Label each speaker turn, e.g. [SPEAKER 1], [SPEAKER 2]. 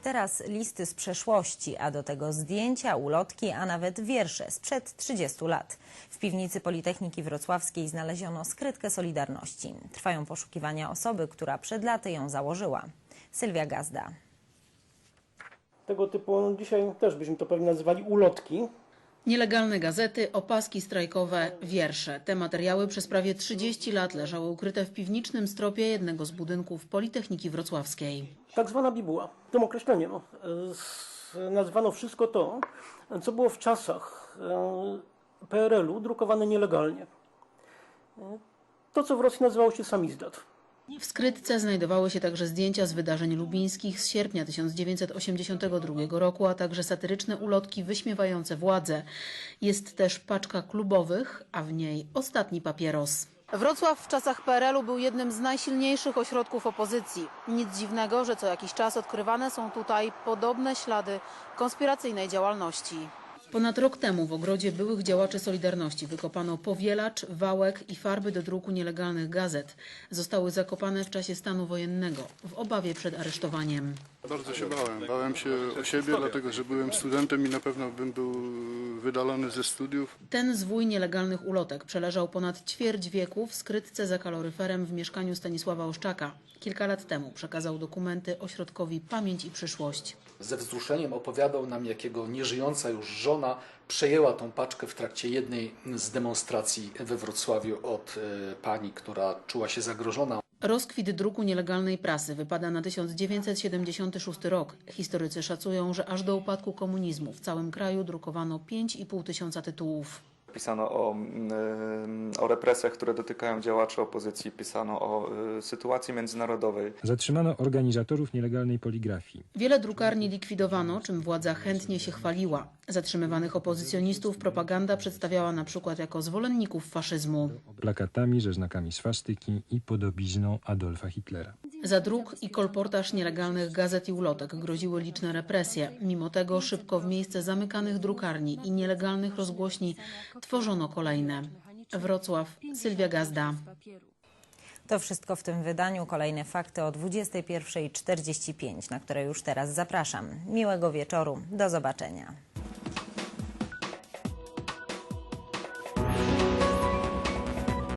[SPEAKER 1] teraz listy z przeszłości, a do tego zdjęcia, ulotki, a nawet wiersze sprzed 30 lat. W piwnicy Politechniki Wrocławskiej znaleziono skrytkę Solidarności. Trwają poszukiwania osoby, która przed laty ją założyła. Sylwia Gazda.
[SPEAKER 2] Tego typu, dzisiaj też byśmy to pewnie nazywali ulotki.
[SPEAKER 3] Nielegalne gazety, opaski strajkowe, wiersze. Te materiały przez prawie 30 lat leżały ukryte w piwniczym stropie jednego z budynków Politechniki Wrocławskiej.
[SPEAKER 2] Tak zwana bibuła. Tym określeniem nazwano wszystko to, co było w czasach PRL-u drukowane nielegalnie. To, co w Rosji nazywało się samizdat.
[SPEAKER 3] W skrytce znajdowały się także zdjęcia z wydarzeń lubińskich z sierpnia 1982 roku, a także satyryczne ulotki wyśmiewające władzę. Jest też paczka klubowych, a w niej ostatni papieros. Wrocław w czasach PRL-u był jednym z najsilniejszych ośrodków opozycji. Nic dziwnego, że co jakiś czas odkrywane są tutaj podobne ślady konspiracyjnej działalności. Ponad rok temu w ogrodzie byłych działaczy Solidarności wykopano powielacz, wałek i farby do druku nielegalnych gazet. Zostały zakopane w czasie stanu wojennego, w obawie przed aresztowaniem.
[SPEAKER 4] Bardzo się bałem. Bałem się o siebie, dlatego że byłem studentem i na pewno bym był wydalony ze studiów.
[SPEAKER 3] Ten zwój nielegalnych ulotek przeleżał ponad ćwierć wieku w skrytce za kaloryferem w mieszkaniu Stanisława Oszczaka. Kilka lat temu przekazał dokumenty ośrodkowi Pamięć i Przyszłość.
[SPEAKER 5] Ze wzruszeniem opowiadał nam, jak jego nieżyjąca już żona przejęła tą paczkę w trakcie jednej z demonstracji we Wrocławiu od pani, która czuła się zagrożona.
[SPEAKER 3] Rozkwit druku nielegalnej prasy wypada na 1976 rok. Historycy szacują, że aż do upadku komunizmu w całym kraju drukowano 5,5 tysiąca tytułów.
[SPEAKER 6] Pisano o represjach, które dotykają działaczy opozycji, pisano o sytuacji międzynarodowej.
[SPEAKER 7] Zatrzymano organizatorów nielegalnej poligrafii.
[SPEAKER 3] Wiele drukarni likwidowano, czym władza chętnie się chwaliła. Zatrzymywanych opozycjonistów propaganda przedstawiała na przykład jako zwolenników faszyzmu.
[SPEAKER 7] Plakatami ze znakami swastyki i podobizną Adolfa Hitlera.
[SPEAKER 3] Za druk i kolportaż nielegalnych gazet i ulotek groziły liczne represje. Mimo tego szybko w miejsce zamykanych drukarni i nielegalnych rozgłośni tworzono kolejne. Wrocław, Sylwia Gazda.
[SPEAKER 1] To wszystko w tym wydaniu. Kolejne fakty o 21:45, na które już teraz zapraszam. Miłego wieczoru. Do zobaczenia.